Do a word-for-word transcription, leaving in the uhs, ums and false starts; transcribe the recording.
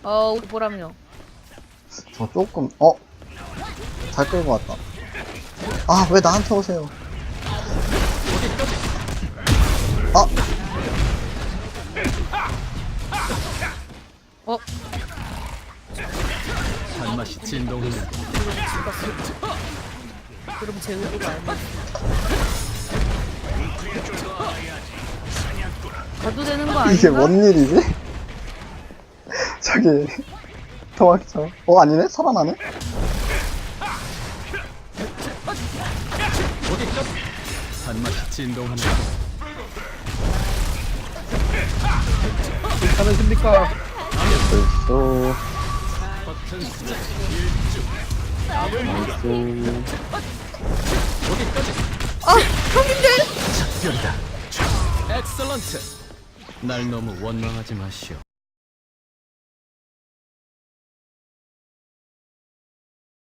어, 우리 보람요. 저 조금 어? 잘 끌고 왔다. 아 왜 나한테 오세요? 아 어, 단맛이 진동하는 그럼 제 의도가 아니야. 가도 되는 거 아닌가? 이게 뭔 일이지? 저기 도망쳐. 어 아니네 살아나네. 단맛이 진동하는 괜찮으십니까? 벌써 버튼 숫자 나이스. 아, 형님들! 작별이다. 엑설런트. 날 너무 원망하지 마시오.